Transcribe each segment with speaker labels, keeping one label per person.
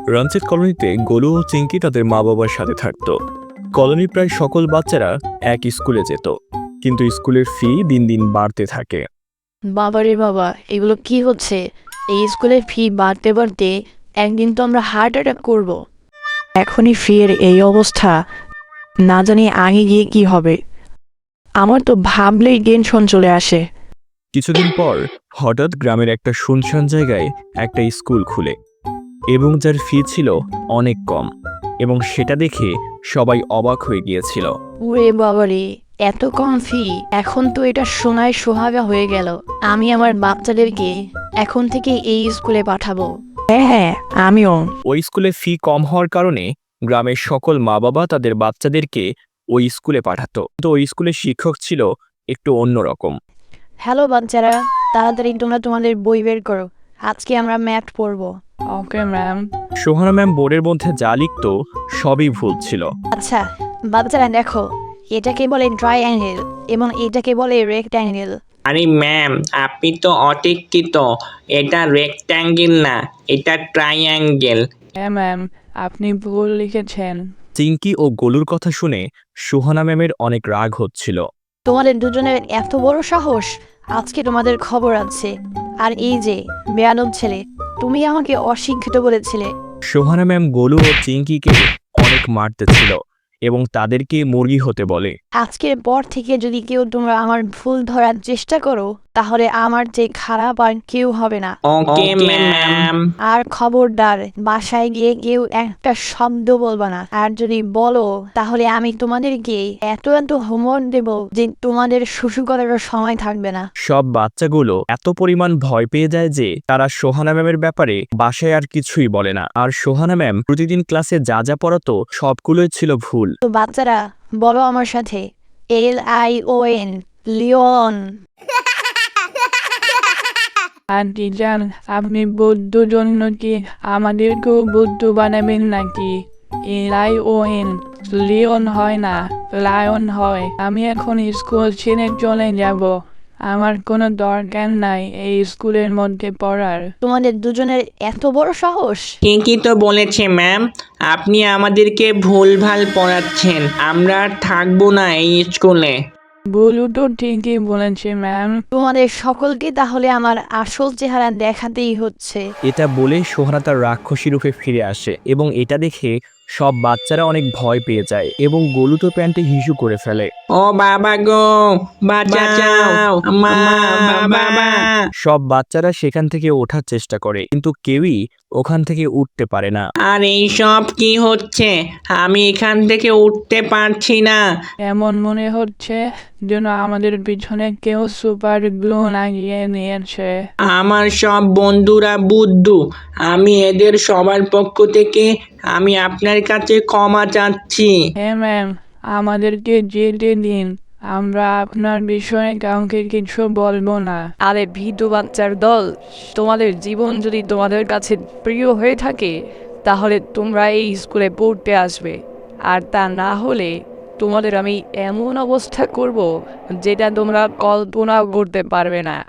Speaker 1: রঞ্জিত কলোনিতে গোলু ও চিঙ্কি তাদের মা বাবার সাথে থাকত। কলোনির প্রায় সকল বাচ্চারা এক স্কুলে যেত, কিন্তু স্কুলের ফি দিন দিন বাড়তে থাকে।
Speaker 2: বাবারে বাবা, এগুলো কি হচ্ছে? এই স্কুলের ফি বাড়তে বাড়তে একদিন তো আমরা হার্ট অ্যাটাক করব। এখনই ফি এর এই অবস্থা, না জানি আগে গিয়ে কি হবে। আমার তো ভাবলেই টেনশন চলে আসে।
Speaker 1: কিছুদিন পর হঠাৎ গ্রামের একটা শুনশান জায়গায় একটা স্কুল খুলে, এবং যার ফি ছিল অনেক কম, এবং সেটা দেখে সবাই অবাক হয়ে গিয়েছিল।
Speaker 2: ওরে বাবারে, এত কম ফি! এখন তো এটা শোনায় সোহাগা হয়ে গেল। আমি আমার বাচ্চাদেরকে এখন থেকে এই স্কুলে পাঠাবো। হ্যাঁ হ্যাঁ, আমিও।
Speaker 1: ওই স্কুলে ফি কম হওয়ার কারণে গ্রামের সকল মা বাবা তাদের বাচ্চাদেরকে ওই স্কুলে পাঠাতো। তো ওই স্কুলের শিক্ষক ছিল একটু অন্যরকম।
Speaker 2: হ্যালো বাচ্চারা, তাড়াতাড়ি তোমরা তোমাদের বই বের করো। আজকে আমরা ম্যাথ পড়বো। Okay ma'am.
Speaker 1: সোহানা ম্যাম বোর্ডের মধ্যে যা লিখত সবই ভুল ছিল।
Speaker 2: আচ্ছা বাচ্চারা দেখো, এটাকে বলে ট্রাইঅ্যাঙ্গেল এবং এটাকে বলে রেক্ট্যাঙ্গেল।
Speaker 3: আরে ম্যাম, আপনি তো অশিক্ষিত। এটা রেক্ট্যাঙ্গেল না, এটা ট্রাইঅ্যাঙ্গেল।
Speaker 4: হ্যাঁ ম্যাম, আপনি ভুল লিখেছেন।
Speaker 1: চিঙ্কি ও গোলুর কথা শুনে সোহানা ম্যামের অনেক রাগ হচ্ছিল।
Speaker 2: তোমাদের দুজনের এত বড় সাহস! আজকে তোমাদের খবর আছে। আর এই যে বেয়াদব ছেলে, তুমি আমাকে অশিক্ষিত বলেছিলে।
Speaker 1: সোহানা ম্যাম গোলু ও চিঙ্কিকে অনেক মারতে ছিল এবং তাদেরকে মুরগি হতে বলে।
Speaker 2: আজকের পর থেকে যদি কেউ তোমরা আমার ভুল ধরার চেষ্টা করো, তাহলে আমার যে খারাপ আর কেউ হবে না।
Speaker 3: Okay ma'am.
Speaker 2: আর খবরদার, বাসায় গিয়ে কেউ একটা শব্দ বলবা না। আর যদি বলো, তাহলে আমি তোমাদেরকে এত এত হোমওয়ার্ক দেব যে তোমাদের শুশু করারও সময় থাকবে না।
Speaker 1: সব বাচ্চাগুলো এত পরিমাণ ভয় পেয়ে যায় যে তারা সোহানা ম্যামের ব্যাপারে বাসায় আর কিছুই বলে না। আর সোহানা ম্যাম প্রতিদিন ক্লাসে যা যা পড়াতো সবগুলোই ছিল ভুল।
Speaker 2: তো বাচ্চারা বলো আমার সাথে, LION, লিওন।
Speaker 4: আন্টি জান, আপনি বৌদ্ধ জন্য কি আমাদেরকেও বৌদ্ধ বানাবেন নাকি? LION লিওন হয় না, লায়ন হয়। আমি এখন স্কুল ছেড়ে চলে যাব। আমার কোনো দরকার নাই এই স্কুলের মধ্যে পড়ার।
Speaker 2: তোমাদের দুজনের এত বড় সাহস!
Speaker 3: ঠিকই তো বলেছে ম্যাম, আপনি আমাদেরকে ভুলভাল পড়াচ্ছেন। আমরা আর থাকবো না এই স্কুলে।
Speaker 4: বলু তো ঠিকই বলেছে ম্যাম।
Speaker 2: তোমাদের সকলকে তাহলে আমার আসল চেহারা দেখাতেই হচ্ছে।
Speaker 1: এটা বলে সোহানা তার রাক্ষসী রূপে ফিরে আসে, এবং এটা দেখে সব বাচ্চারা অনেক ভয় পেয়ে যায় এবং গোলু তো প্যান্টে হিসু করে ফেলে।
Speaker 3: ও বাবা গো, বাঁচাও মা, বাবা।
Speaker 1: সব বাচ্চারা সেখান থেকে ওঠার চেষ্টা করে, কিন্তু কেউই ওখান থেকে উঠতে পারে না।
Speaker 3: আর এইসব কি হচ্ছে? আমি এখান থেকে উঠতে পারছি না।
Speaker 4: এমন মনে হচ্ছে যেন আমাদের পিছনে কেউ সুপার গ্লু লাগিয়ে নিয়েছে।
Speaker 3: আমার সব বন্ধুরা বুদ্ধু। আমি এদের সবার পক্ষ থেকে আমি আপনার কাছে ক্ষমা চাচ্ছি।
Speaker 4: হ্যাঁ ম্যাম, আমাদেরকে যেতে দিন। আমরা আপনার বিষয়ে কাউকে কিছু বলবো না।
Speaker 5: আরে ভীতু বাচ্চার দল, তোমাদের জীবন যদি তোমাদের কাছে প্রিয় হয়ে থাকে, তাহলে তোমরা এই স্কুলে পড়তে আসবে। আর তা না হলে তোমাদের আমি এমন অবস্থা করব যেটা তোমরা কল্পনাও করতে পারবে না।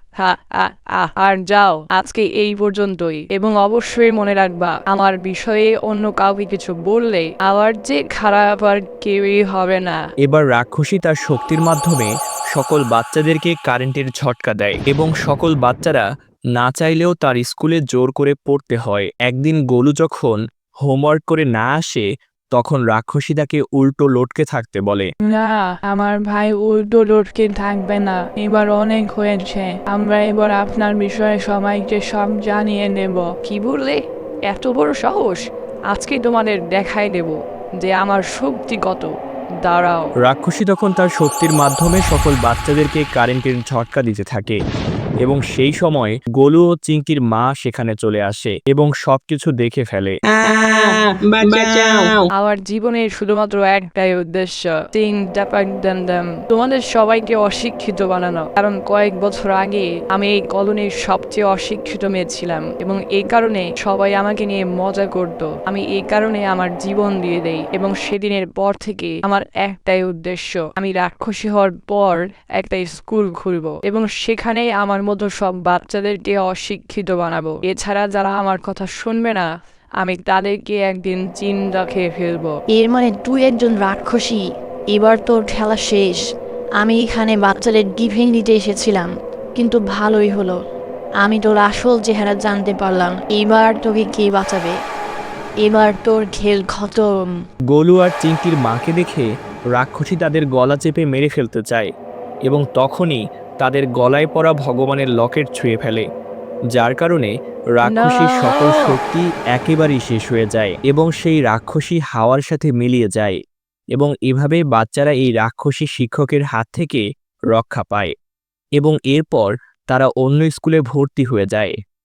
Speaker 5: আর যাও, আজকে এই পর্যন্তই। এবং অবশ্যই মনে রাখবা, আমার বিষয়ে অন্য কাউকে কিছু বললে আবার যে খারাপ আর কেউই হবে না।
Speaker 1: এবার রাক্ষসী তার শক্তির মাধ্যমে সকল বাচ্চাদেরকে কারেন্টের ঝটকা দেয়, এবং সকল বাচ্চারা না চাইলেও তার স্কুলে জোর করে পড়তে হয়। একদিন গোলু যখন হোমওয়ার্ক করে না আসে, তখন রাক্ষসী তাকে উল্টো লটকে থাকতে বলে।
Speaker 4: না, আমার ভাই উল্টো লটকে থাকবে না। এবার অনেক হয়েছে। আমরা এবার আপনার বিষয়ে সবাইকে সব জানিয়ে দেব।
Speaker 5: কি বললে? এত বড় সাহস! আজকে তোমাদের দেখাই দেব যে আমার শক্তি কত। দাঁড়াও।
Speaker 1: রাক্ষসী তখন তার শক্তির মাধ্যমে সকল বাচ্চাদেরকে কারেন্টের ঝটকা দিতে থাকে, এবং সেই সময় গোলু ও চিঙ্কির মা সেখানে চলে আসে এবং সবকিছু দেখে ফেলে।
Speaker 3: বাঁচাও।
Speaker 5: আমার জীবনের শুধুমাত্র একটাই উদ্দেশ্য, তোমাদের সবাইকে অশিক্ষিত বানানো। কারণ কয়েক বছর আগে আমি এই কলোনির সবচেয়ে অশিক্ষিত মেয়ে ছিলাম, এবং এই কারণে সবাই আমাকে নিয়ে মজা করত। আমি এই কারণে আমার জীবন দিয়ে দেই, এবং সেদিনের পর থেকে আমার একটাই উদ্দেশ্য, আমি রাক্ষসী হওয়ার পর একটা স্কুল খুলবো এবং সেখানে আমার মতো সব বাচ্চাদেরকে অশিক্ষিত বানাবো। এছাড়া যারা আমার কথা শুনবে না, আমি তাদেরকে একদিন চিন্তা খেয়ে ফেলবো।
Speaker 2: এর মানে তুই একজন রাক্ষসী। এবার তোর খেলা শেষ। আমি এখানে বাচ্চাদের গিফিং দিতে এসেছিলাম, কিন্তু ভালোই হলো, আমি তোর আসল চেহারা জানতে পারলাম। এবার তোকে কে বাঁচাবে? এবার তোর খেল খতম।
Speaker 1: গোলু আর চিংটির মাকে দেখে রাক্ষসী তাদের গলা চেপে মেরে ফেলতে চায় এবং তখনই তাদের গলায় পড়া ভগবানের লকেট ছুঁয়ে ফেলে, যার কারণে রাক্ষসীর
Speaker 5: না!
Speaker 1: সকল শক্তি একেবারেই শেষ হয়ে যায় এবং সেই রাক্ষসী হাওয়ার সাথে মিলিয়ে যায় এবং এভাবে বাচ্চারা এই রাক্ষসী শিক্ষকের হাত থেকে রক্ষা পায় এবং এরপর তারা অন্য স্কুলে ভর্তি হয়ে যায়।